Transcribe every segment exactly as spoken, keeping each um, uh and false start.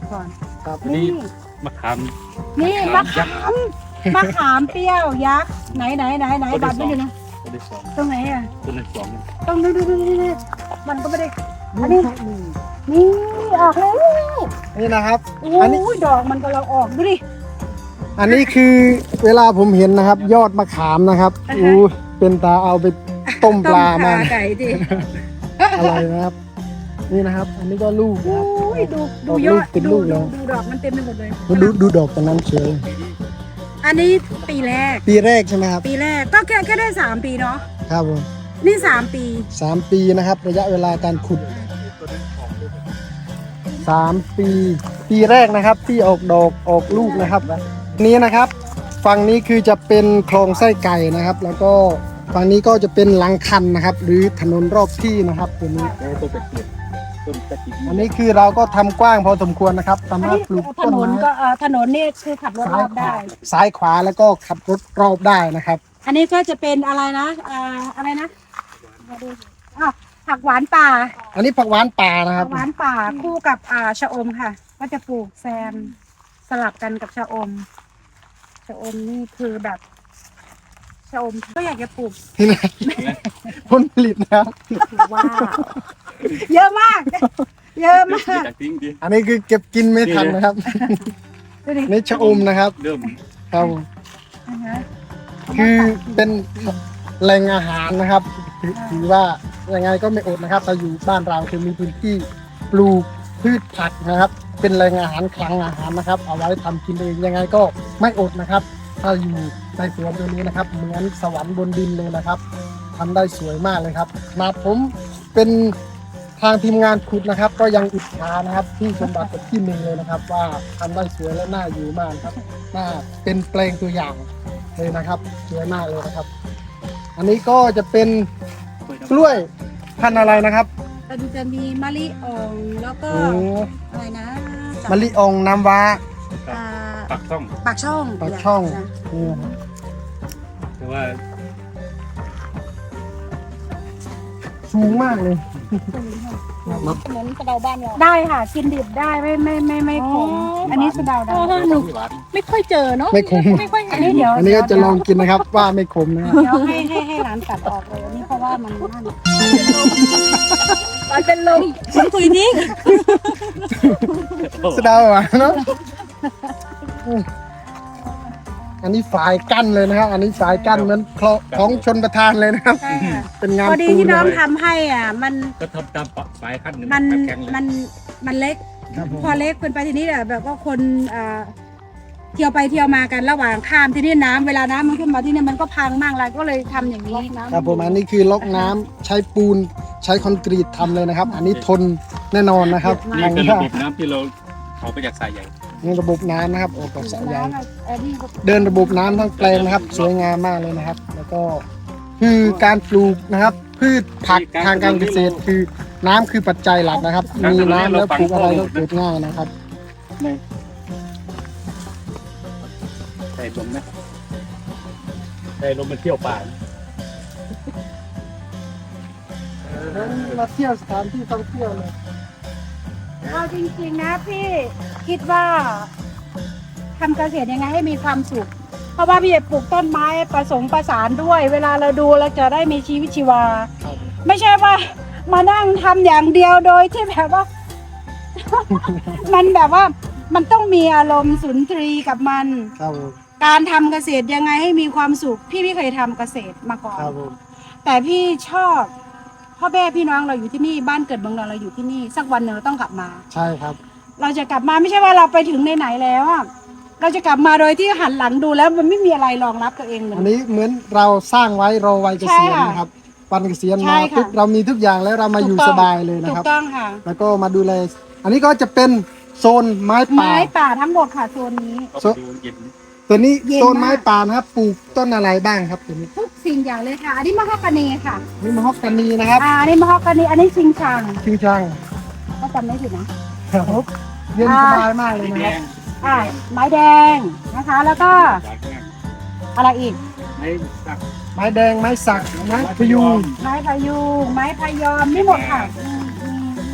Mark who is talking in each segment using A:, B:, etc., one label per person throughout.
A: ก่อน
B: ครับ
A: นี่
C: มะขาม
A: นี่มะขามมะขามเปรี้ยวยักษ์ไหนไหนไหนไหนบัตรไม่ดูนะ
C: ตัวที่สอง
A: ตรงไหนอ่ะ
C: ตัวที่สอง
A: ต้องดูดูดูดูดูมันก็ไม่ได้อันนี้นี่ออกแล้ว
B: นี่นะครับ
A: โอ้
B: อันนี้
A: ยดอกมันกำลังออกดูดิ
B: อันนี้คือเวลาผมเห็นนะครับ ยอดมะขามนะครับ
A: อ่าฮะ
B: อู้เป็นตาเอาไปต้มปลามา
A: ต้ไก่ดิ
B: อะไรนะครับ นี่นะครับ อันนี้ก็ลูกนะ
A: โอ้
B: ครับ
A: ยดูดูยอด
B: เป็น
A: ดู
B: ลูก
A: ดู
B: แล้ว
A: ดูดอกมันเต็มไปหมดเลย
B: ดูดูดอกตรงนั้นเฉย
A: อันนี้ปีแรก
B: ปีแรกใช่ไหมครับ
A: ปีแรกก็แค่แค่ได้สามปีเนาะ
B: ครับผม
A: นี่สามปี
B: สามปีนะครับ ระยะเวลาการขุดสามปี ปีแรกนะครับ ที่ออกดอกออกลูกนะครับ นี้นะครับฝั่งนี้คือจะเป็นคลองไส้ไก่นะครับ แล้วก็ฝั่งนี้ก็จะเป็นหลังคันนะครับ หรือถนนรอบที่นะครับตัวนี้
C: โอ้ตัวเป็ดเกียรต้นตะกี้
B: อันนี้คือเราก็ทำกว้างพอสมควรนะครับสา
A: อัน
B: มารถ
A: นี้
B: ปลูก
A: ถ
B: ต้น
A: นน
B: ไม้
A: ก็เอ่อถนนนี่คือขับรถร
B: ซ้าย
A: อบ
B: ขวา
A: ได้
B: ซ้ายขวาแล้วก็ขับรถรอบได้นะครับ
A: อันนี้ก็จะเป็นอะไรนะอ่าอะไรนะมาดูอ้าวผักหวานป่า
B: อันนี้ผักหวานป่านะค
A: ผั
B: รับ
A: กหวานป่าคู่กับอ่าชะอมค่ะ ก็จะปลูกแซมสลับกันกับชะอมชะอมนี่คือแบบชะอมก็อยากจะปลูก
B: นี่นะผลผลิตนะครับ
A: ว้าวเยอะมาก เยอะมาก
C: จากทิ้งดิ
B: อันนี้คือเก็บกินไม่ทันนะครับ
A: ดูดิ
B: นี่ชะอมนะครับ
C: เริ่ม
B: ครับ
A: อ่าฮะ
B: คือเป็นแหล่งอาหารนะครับถือถือว่ายังไงก็ไม่อดนะครับถ้าอยู่บ้านเราคือมีพื้นที่ปลูกพืชผักนะครับ เป็นแหล่งอาหารคลังอาหารนะครับ เอาไว้ทำกินเองยังไงก็ไม่อดนะครับ ถ้าอยู่ในสวนตัวนี้นะครับ เหมือนสวรรค์บนดินเลยนะครับทำได้สวยมากเลยครับขนาดผมเป็นทางทีมงานขุดนะครับ ก็ยังอิจฉานะครับที่สมบัติกับที่หนึ่งเลยนะครับ ว่าทำได้สวยและน่าอยู่มากครับน่าเป็นแปลงตัวอย่างเลยนะครับสวยมากเลยนะครับ อันนี้ก็จะเป็นกล้วยพันธุ์อะไรนะครับ
A: มันจะมีมะลิอ่องแล้วก็
B: โอ้
A: อะไรนะ
B: มะลิอองน้ำว้า
A: อ่า
C: ปักช่อง
A: ปากช่อง
B: ปากช่อง
A: นะ
B: นี่นะครับ
C: แต่ว่า
B: สูงมากเลย
D: เหมือนกระเดาบ้านเรา
A: ได้ค่ะกินดิบได้ไม่ไม่ไม่ไม่ขมอันนี้สะเดาได้
C: หนูหวาน
D: ไม่ค่อยเจอเนาะ
B: ไม่ขม
D: ไม่ค่อย
A: อันนี้เดี๋ยว
B: อันนี้ก็จะลองกินนะครับ ว่าไม่ขมนะครับ
A: เดี๋ยวให้ให้ให้ร้านตัดออกเลยอันนี้เพราะว่ามันนั่น
D: มันเป็นลมมันคุยทิ้ง
B: สะเดาหวานเนาะอืมอันนี้ฝายกั้นเลยนะครับ อันนี้ฝายกั้นเหมือนคลองของชนประทานเลยนะครับ
A: ใช่ค่ะ
B: เป็นงาน
A: พอดี
B: ปูน
A: ที่น้อง
B: เลย
A: ทำให้อ่ะมัน
C: ก็ทำตามปะสายขั้นหนึ่ง
A: มัน
C: แข็งเลย
A: มันมันเล็ก
B: ครับผม
A: พอเล็กเป็นไปทีนี้แบบแบบว่าคนอ่าเที่ยวไปเที่ยวมากันระหว่างข้ามที่นี่น้ำเวลาน้ำมันขึ้นมาที่นี่มันก็พังมากเลยก็เลยทำอย่างนี้
B: ครับผมอันนี้คือล็อกน้ำใช้ปูนใช้คอนกรีตทำเลยนะครับ อันนี้ทนแน่นอนนะครับ
C: นี่คือระบบน้ำที่เราเอาไปจากสายใหญ่
B: นี่ระบบน้ำนะครับออกจากสายใย
A: น้ำอ่ะเออนี่ก็
B: เดินระบบน้ำทั้งแปลงนะครับ สวยงามมากเลยนะครับ แล้วก็คือการปลูกนะครับ พืชผักทางการเกษตรคือน้ำคือปัจจัยหลักนะครับ มีน้ำแล้วปลูกอะไรก็เกิดง่ายนะครับ
C: ใส่ลมนะใส่ลมมันเที่ยวป่า
B: มาเที่ยวสถานที่ท่องเที่ยวเลย
A: เอาจริงๆนะพี่คิดว่าทำเกษตรยังไงให้มีความสุข เพราะว่าพี่จะปลูกต้นไม้ผสมประสานด้วย เวลาเราดูเราจะได้มีชีวิตชีวา ไม่ใช่ว่ามานั่งทำอย่างเดียวโดยที่แบบว่า มันแบบว่ามันต้องมีอารมณ์สุนทรีกับมัน
B: ครับผม
A: การทำเกษตรยังไงให้มีความสุข พี่ไม่เคยทำเกษตรมาก่อน
B: ครับผม
A: แต่พี่ชอบพ่อแม่พี่น้องเราอยู่ที่นี่บ้านเกิดเมืองนอนเราอยู่ที่นี่ สักวันหนึ่งเราต้องกลับมา
B: ใช่ครับ
A: เราจะกลับมาไม่ใช่ว่าเราไปถึงไหนๆแล้วอะเราจะกลับมาโดยที่หันหลังดูแล้วมันไม่มีอะไรรองรับตัวเองเล
B: อัน
A: ย
B: นี้เหมือนเราสร้างไว้รอวัยเกษียณ
A: ใช่ค่ะ
B: นะครับวันเกษียณ
A: ใช่
B: มา
A: ค่ะ
B: ปุ๊บเรามีทุกอย่างแล้วเรามาอยู่
A: ถูกต้
B: ส
A: อง
B: บายเลยนะ
A: ถู
B: ครั
A: ก
B: บ
A: ต้องค่ะ
B: แล้วก็มาดูแลอันนี้ก็จะเป็นโซนไม้ป่า
A: ไม้ป่าทั้งหมดค่ะโซนนี้
C: ก็ไปดูเย็น
B: ตัวนี้
A: เย็นมาก
B: โซนไม้ป่านะครับปลูกต้นอะไรบ้างครับตัวนี้
A: ทุกสิ่งอย่างเลยค่ะ อันนี้มะฮอกกานีค่ะ
B: นี่มะฮอกกานีนะครับ
A: อ่าอันนี้มะฮอกกานีอันนี้ชิงชัง
B: ชิงชัง
A: ก็จำไม่ผิดนะ
B: ครับเย็น
A: อ่า
B: สบายมากเลย
C: แด
B: นะครับ
C: ง
A: อ่าไม้แดงนะคะ แล้วก็
C: สายแข็ง
A: อะไรอีก
C: ไม่สัก
B: ไม้แดงไม้สักไม้พยุง
A: ไม้พะยูงไม้พะยอมนี่หมดค่ะอืมอืมอืม
B: น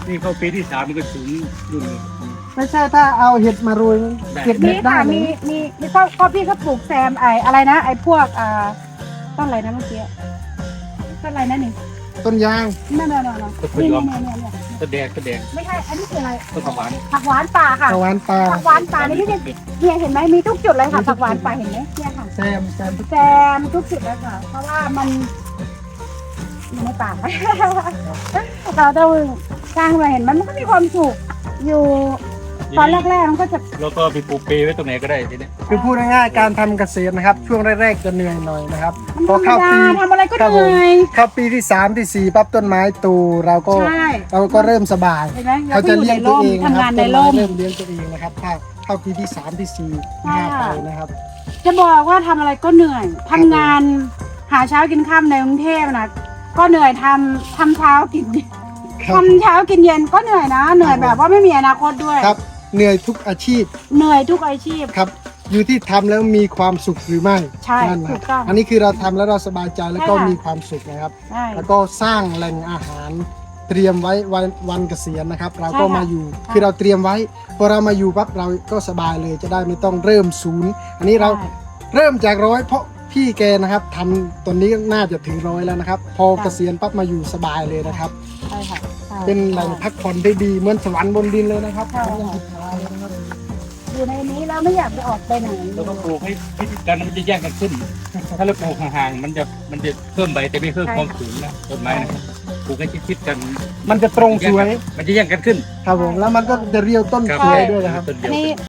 C: นี่เข้าปีที่สามมันก็ถึงรุ่น
B: ไม่ใช่ถ้าเอาเห็ดมาโรยเก็บ
A: มี
B: เห็ดได้
A: ค่ะ
B: เล
A: มี
B: ย
A: มีมีก็ก็พี่ก็ปลูกแซมไออะไรนะไอพวกอ่าต้นอะไรนะเมื่อกี้ต้นอะไรนะนี่
B: ต้นยาง
A: นั่นนั่นนั่นนี่นี่นี่นี่
C: ก็แดงก็แดง
A: ไม่ใช่อันนี้คืออะไร
C: ก็ประมาณ
A: ผักหวานป่าค่ะ
B: ตะวันปลา
A: ผักหวานป่านี่พี่เนี่ยเนี่ยเห็นไหมมีทุกจุดเลยค่ะผักหวานป่าเห็นไหมเนี่ยค่ะ
B: แซมแซม
A: แซมทุกจุดเลยค่ะ เพราะว่ามันอยู่ในป่า เราต้องสร้างมาเห็นมันมันก็มีความสุขอยู่ตอนแรกๆมันก็จะ
C: แล้วก็ไปปลูกเปไว้ตรงไหนก็ได้ทีนี้
B: คือพูดง่ายๆการทำเกษตรนะครับ ช่วงแรกๆจะเหนื่อยหน่อยนะครับ
A: มัน
B: พอ
A: ธรรม
B: เข้า
A: ดา
B: ปี
A: ทำอะไรก็
B: ครับ
A: เห
B: ผม
A: นื่อย
B: เข้าปีที่สามที่สี่ปั๊บต้นไม้โตูเราก็
A: ใช่
B: เราก็เริ่มสบาย
A: เห็นไหม
B: เขาจะเลี้ยงตัวเองนะ
A: ทำ
B: ครั
A: งา
B: บ
A: นใน
B: ต้น
A: ร่
B: ไม้
A: ม
B: เริ่มเลี้ยงตัวเองนะครับถ้าเข้าปีที่สามที่สี่ที่ห้าไปนะครับ
A: จะบอกว่าทำอะไรก็เหนื่อยทำงานหาเช้ากินค่ำในกรุงเทพนะก็เหนื่อยทำทำเช้ากินเย็น
B: ครับ
A: ทำเช้ากินเย็นก็เหนื่อยนะ เหนื่อยแบบว่าไม่มีอนาคตด้วย
B: ครับเหนื่อยทุกอาชีพ
A: เหนื่อยทุกอาชีพ
B: ครับอยู่ที่ทำแล้วมีความสุขหรือไม่
A: ใช่
B: นั่นนะ
A: ถูกต้อง
B: อันนี้คือเราทำแล้วเราสบายใจแล้วก็
A: ใช่ค่ะ
B: มีความสุขนะครับ
A: ใช่
B: แล้วก็สร้างแหล่งอาหารเตรียมไว้วันวันเกษียณนะครับ เราก็
A: ใช่ค่ะ
B: มาอยู่
A: ใช่
B: คือเราเตรียมไว้พอเรามาอยู่ปั๊บเราก็สบายเลยจะได้ไม่ต้องเริ่มศูนย์ อันนี้เรา
A: ใช่
B: เริ่มจากร้อยเพราะพี่แกนะครับทำตอนนี้น่าจะถึงร้อยแล้วนะครับ พอ
A: ค่ะ
B: เกษียณปั๊บมาอยู่สบายเลยนะครับ
A: ใช่ค่ะใช่
B: เป็นแหล่งพักผ่อนได้ดีเหมือนสวรรค์บนดินเลยนะครับ
A: ใช่
B: ยัง
A: ค่ะ
B: อิจฉาเลยนะครับ
A: อยู่ในนี้แล้วไม่อยากจะออกไปไหน
C: เราต้องปลูกให้พิธีการมันจะแย่งกันขึ้น ถ้าเราปลูกห่างๆมันจะมันจะเพิ่มใบแต่ไม่เพิ่มความสูงนะต้นไม้นะปลูกให้ชิดๆกัน
B: มันจะตรงสวย
C: มันจะแย่งกันขึ้น
B: ครับผมแล้วมันก็จะเรียวต้น
C: ครับ
B: สวยด้วยนะครับ
C: ต้นเดี
A: อั
C: ย
A: น
C: ว
A: นี้